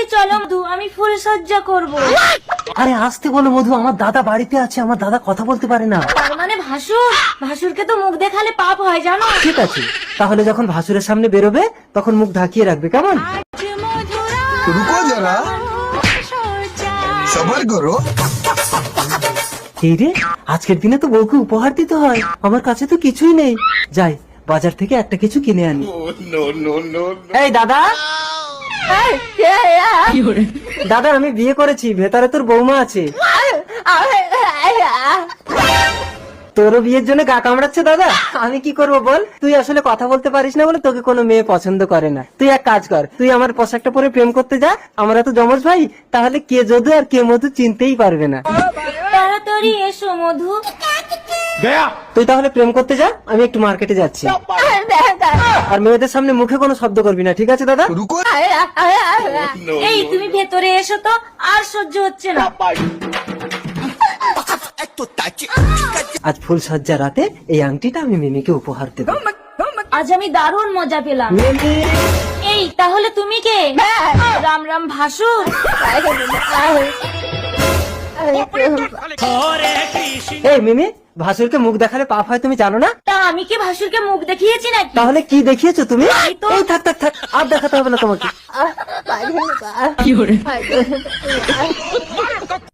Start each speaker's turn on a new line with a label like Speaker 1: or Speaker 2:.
Speaker 1: চলো মধু, আমি ফুল সজ্জা করব।
Speaker 2: আরে আসতে বলো মধু, আমার দাদা বাড়িতে আছে, আমার দাদা কথা বলতে পারে না।
Speaker 1: তার মানে ভাসুর, ভাসুরকে তো মুখ দেখালে পাপ হয় জানো।
Speaker 2: ঠিক আছে, তাহলে যখন ভাসুরের সামনে বেরোবে তখন মুখ ঢাকিয়ে রাখবে, কেমন?
Speaker 3: रुको जरा सबर करो।
Speaker 2: এই রে, আজকের দিনে তো বউকে উপহার দিতে হয়, আমার কাছে তো কিছুই নেই। যাই বাজার থেকে একটা কিছু কিনে আনি। এই দাদা, দাদা আমি বিয়ে করেছি, ভেতরে তোর বৌমা আছে। তোরও বিয়ের জন্য গা কামড়াচ্ছে দাদা, আমি কি করব বল? তুই আসলে কথা বলতে পারিস না বলে তোকে কোনো মেয়ে পছন্দ করে না। তুই এক কাজ কর, তুই আমার পোশাকটা পরে প্রেম করতে যা, আমরা তো জমজ ভাই, তাহলে কে যদু আর কে মধু চিনতেই পারবে না।
Speaker 1: তাড়াতাড়ি এসো মধু।
Speaker 2: তুই তাহলে প্রেম করতে যা, আমি একটু মার্কেটে যাচ্ছি। আর মেয়েদের সামনে মুখে কোনো শব্দ করবি না, ঠিক আছে দাদা?
Speaker 3: रुको
Speaker 1: এই তুমি ভেতরে এসো তো, আর সহ্য হচ্ছে না।
Speaker 2: আজ ফুল সজ্জা রাতে এই আংটিটা আমি মিমিকে উপহার দেব।
Speaker 1: আজ আমি দারুণ মজা পেলাম।
Speaker 2: মিমি,
Speaker 1: এই তাহলে তুমি কে? রাম রাম ভাসুর।
Speaker 2: এই মিমি, ভাসুরকে মুখ দেখালে পাপ হয় তুমি জানো না?
Speaker 1: তা আমি কি ভাসুরকে মুখ দেখিয়েছি নাকি?
Speaker 2: তাহলে কি দেখিয়েছো তুমি?
Speaker 1: এই তো।
Speaker 2: এই থাক থাক থাক, আর দেখাতে হবে না তোমাকে।